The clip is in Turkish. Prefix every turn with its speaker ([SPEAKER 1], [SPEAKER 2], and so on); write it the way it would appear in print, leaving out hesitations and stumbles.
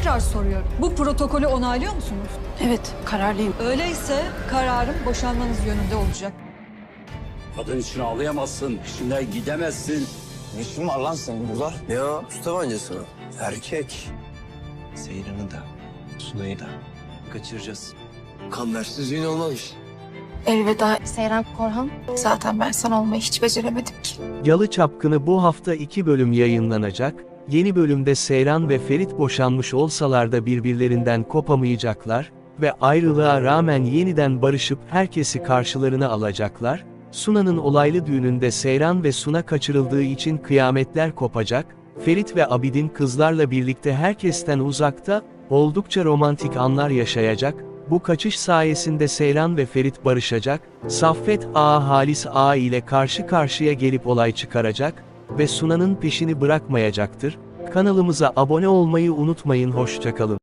[SPEAKER 1] Tekrar soruyorum. Bu protokolü onaylıyor musunuz?
[SPEAKER 2] Evet, kararlıyım.
[SPEAKER 1] Öyleyse kararım boşanmanız yönünde olacak.
[SPEAKER 3] Kadın için ağlayamazsın, peşinden gidemezsin.
[SPEAKER 4] Ne işin var lan senin burada?
[SPEAKER 5] Ne o? Su tabancası mı?
[SPEAKER 4] Erkek. Seyran'ı da, Sunay'ı da kaçıracağız.
[SPEAKER 5] Kambersiz düğün olmamış.
[SPEAKER 2] Elveda Seyran Korhan. Zaten ben sana olmayı hiç beceremedim ki.
[SPEAKER 6] Yalı Çapkını bu hafta 2 bölüm yayınlanacak. Yeni bölümde Seyran ve Ferit boşanmış olsalar da birbirlerinden kopamayacaklar ve ayrılığa rağmen yeniden barışıp herkesi karşılarına alacaklar. Suna'nın olaylı düğününde Seyran ve Suna kaçırıldığı için kıyametler kopacak. Ferit ve Abidin kızlarla birlikte herkesten uzakta, oldukça romantik anlar yaşayacak. Bu kaçış sayesinde Seyran ve Ferit barışacak, Saffet Ağa Halis Ağa ile karşı karşıya gelip olay çıkaracak ve Suna'nın peşini bırakmayacaktır. Kanalımıza abone olmayı unutmayın, hoşça kalın.